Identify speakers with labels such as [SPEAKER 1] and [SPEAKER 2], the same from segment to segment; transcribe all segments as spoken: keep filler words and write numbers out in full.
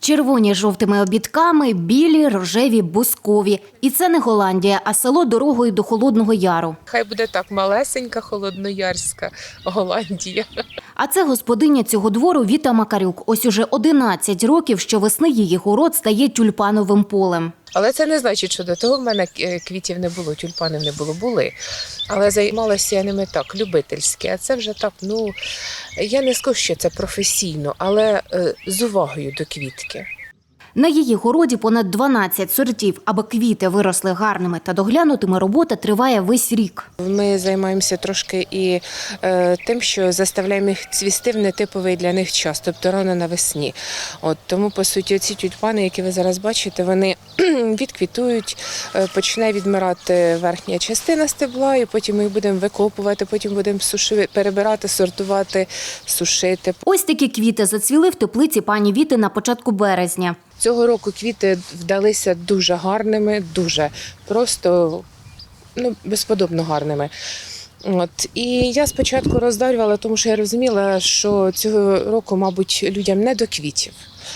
[SPEAKER 1] Червоні з жовтими обідками, білі, рожеві, бускові. І це не Голландія, а село дорогою до Холодного Яру.
[SPEAKER 2] Хай буде так, малесенька холодноярська Голландія.
[SPEAKER 1] А це господиня цього двору Віта Макарюк. Ось уже одинадцять років щовесни її город стає тюльпановим полем.
[SPEAKER 2] Але це не значить, що до того в мене квітів не було, тюльпанів не було, були. Але займалася я ними так, любительськи. А це вже так, ну, я не скажу, що це професійно, але е, з увагою до квітки.
[SPEAKER 1] На її городі понад дванадцять сортів. Аби квіти виросли гарними та доглянутими, робота триває весь рік.
[SPEAKER 2] Ми займаємося трошки і е, тим, що заставляємо їх цвісти в нетиповий для них час, тобто рано навесні. От, тому, по суті, ці тюльпани, які ви зараз бачите, вони відквітують, е, почне відмирати верхня частина стебла, і потім ми їх будемо викопувати, потім будемо сушити, перебирати, сортувати, сушити.
[SPEAKER 1] Ось такі квіти зацвіли в теплиці пані Віти на початку березня.
[SPEAKER 2] Цього року квіти вдалися дуже гарними, дуже просто, ну, безподобно гарними. От. І я спочатку роздарювала, тому що я розуміла, що цього року, мабуть, людям не до квітів.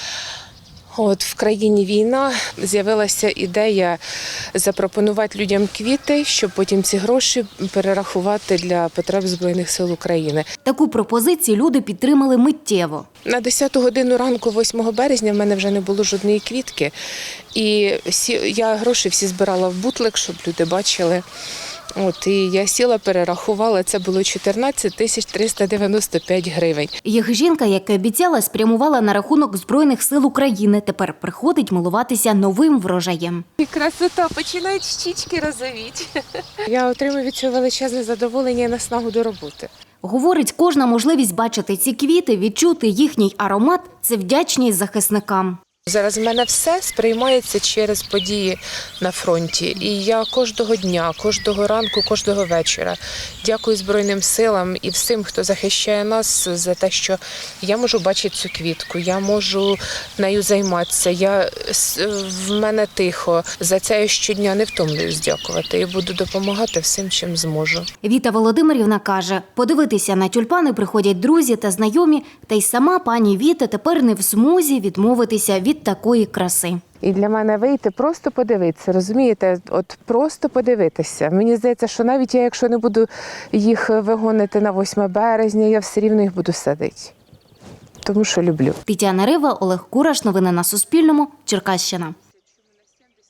[SPEAKER 2] От в країні війна, з'явилася ідея запропонувати людям квіти, щоб потім ці гроші перерахувати для потреб Збройних сил України.
[SPEAKER 1] Таку пропозицію люди підтримали миттєво.
[SPEAKER 2] На десяту годину ранку, восьмого березня, в мене вже не було жодної квітки. І я гроші всі збирала в бутлик, щоб люди бачили. От, і я сіла, перерахувала, це було чотирнадцять тисяч триста дев'яносто п'ять гривень.
[SPEAKER 1] Їх жінка, як і обіцяла, спрямувала на рахунок Збройних сил України. Тепер приходить милуватися новим врожаєм.
[SPEAKER 2] І красота, починають щічки розовіти. Я отримую від цього величезне задоволення і наснагу до роботи.
[SPEAKER 1] Говорить, кожна можливість бачити ці квіти, відчути їхній аромат – це вдячність захисникам.
[SPEAKER 2] Зараз в мене все сприймається через події на фронті. І я кожного дня, кожного ранку, кожного вечора дякую Збройним силам і всім, хто захищає нас, за те, що я можу бачити цю квітку, я можу нею займатися, я, в мене тихо. За це я щодня не втомлююсь дякувати і буду допомагати всім, чим зможу.
[SPEAKER 1] Віта Володимирівна каже, подивитися на тюльпани приходять друзі та знайомі, та й сама пані Віта тепер не в змозі відмовитися від від такої краси.
[SPEAKER 2] І для мене вийти, просто подивитися, розумієте, от просто подивитися. Мені здається, що навіть я, якщо не буду їх вигонити на восьме березня, я все рівно їх буду садити. Тому що люблю.
[SPEAKER 1] Тетяна Рива, Олег Кураш. Новини на Суспільному. Черкащина.